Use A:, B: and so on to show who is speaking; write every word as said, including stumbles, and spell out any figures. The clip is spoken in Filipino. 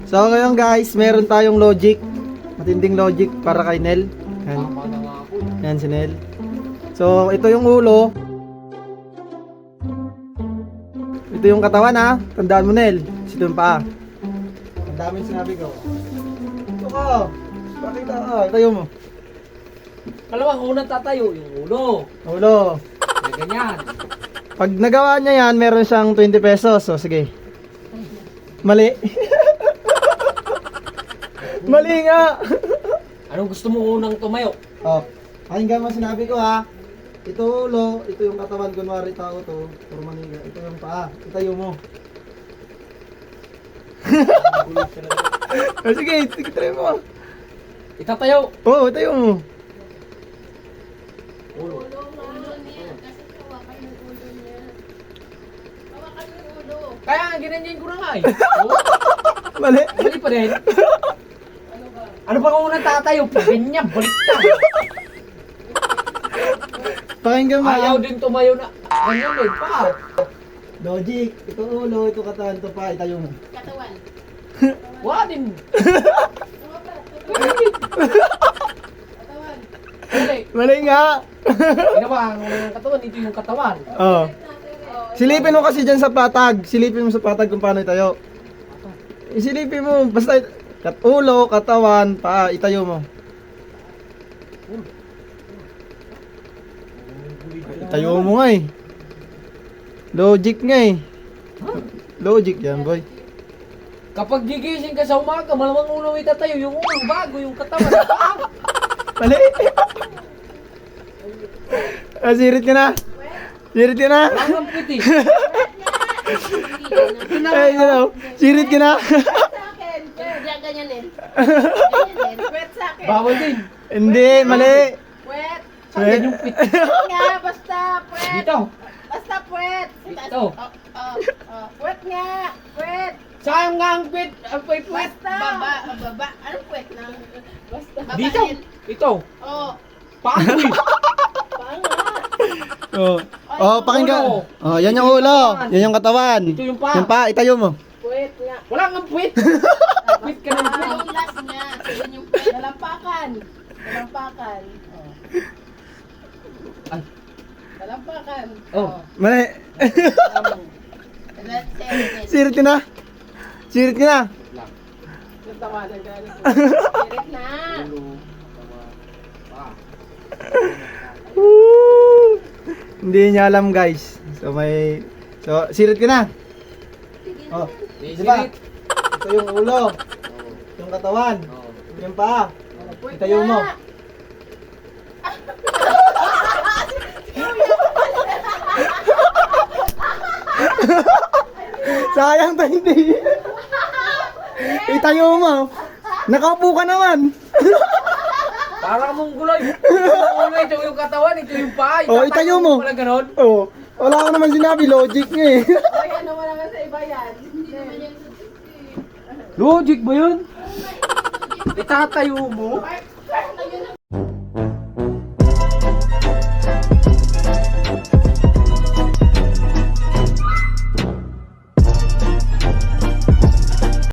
A: So ngayon guys, meron tayong logic. Matinding logic para kay Nel. Yan. Yan si Nel. So ito yung ulo. Ito yung katawan ha. Tandaan mo Nel. Ito yung paa. Ang daming sinabi ko. Ito ka. Pakita ka. Itayo mo.
B: Kalawang unang tatayo, yung ulo.
A: Ulo.
B: May ganyan.
A: Pag nagawa niya yan, meron siyang twenty pesos. So sige. Mali. Mali nga.
B: Anong gusto mo unang tumayo?
A: Oh, pakinggan mo sinabi ko ha. Ito ulo, ito yung katawan, kunwari tao to, or maniga. Ito yung paa, itayo mo. Oh, sige, sige, try mo.
B: Itatayo.
A: Oo, oh, itayo mo.
B: Ulo.
C: Ulo niya, kasi hawakan yung ulo niya. Hawakan yung ulo.
B: Kaya nga, ginanyan ko na nga eh. Oh,
A: Mali.
B: mali pa rin. Ano ba kung unang tatayo? Ganyan, baliktad.
A: Pakinggan mo.
B: Ayaw din tumayo na. Ganyan din pa.
A: Logic, ito ulo, ito katawan, ito paa, itayo mo.
C: Katawan.
B: Wala din.
C: Katawan.
B: Mali.
A: Mali nga.
B: Ginawa ang unang katawan, ito yung katawan.
A: Oh. Silipin mo kasi dyan sa patag. Silipin mo sa patag kung paano itayo. Isilipin mo, basta kat ulo, katawan, paa, itayo mo. Itayo mo nga eh. Logic nga eh. Logic yan boy.
B: Kapag gigising ka sa umaga, malamang ulo may tatayo. Yung ulo bago, yung katawan. Ah!
A: Mali. Ah, sirit ka na. Sirit ka na.
B: Ang piti.
A: Ay, you know, sirit ka na.
C: Sa akin. Diyan, ganyan eh. Ganyan eh. Wet sa akin.
B: Bawal din.
A: Hindi, mali.
C: Wet.
B: Saan yung piti?
C: Nga, basta wet.
B: Dito.
C: Basta wet.
B: Ito.
C: Oh, oh, oh. Wet nga. Wet.
B: Saan nga ang pit? Ang pit pit?
C: Basta. Baba. Baba. Anong wet na? Basta. Babain.
B: Dito. Ito.
C: Oh.
B: Paano eh?
C: Panga.
A: Oh. Oh, pakinggan. Oh, yan yung ulo. Yan yung katawan.
B: Ito yung paa.
A: Yung paa, itayo mo.
C: Wet nga.
B: Wala nga pit. Pit ka ng
C: Ah,
B: pit.
C: yung last niya. Yun yung wet. Dalampakan. Dalampakan. Oh.
B: Ay.
C: Dalampakan.
B: Oh.
A: Mali.
C: Let's say it.
A: Sirit ka na. Sirit ka na.
B: Lang.
C: Natawanan ka na. Sirit na.
B: Ulo. Tawa. Paa.
A: Woo! Hindi niya alam guys. So may So sirit ka na. Oh,
B: Di
A: di ba?
B: sirit.
A: Ito yung ulo,
B: Oh.
A: yung katawan,
B: Oh.
A: yung paa.
C: Wait
A: Itayo mo.
C: na.
A: Sayang tayo hindi. Itayo mo. Nakaupo ka naman.
B: Parang mong gulay. Yung ulo, ito yung katawan, ito yung paa.
A: Oh, itayo mo.
B: Pala ganon.
A: Oh, wala ko naman sinabi, logic nga eh.
C: Ay, ano wala nga sa iba yan. Hindi naman yan.
B: Logic ba yun? Itatayo mo?
C: Part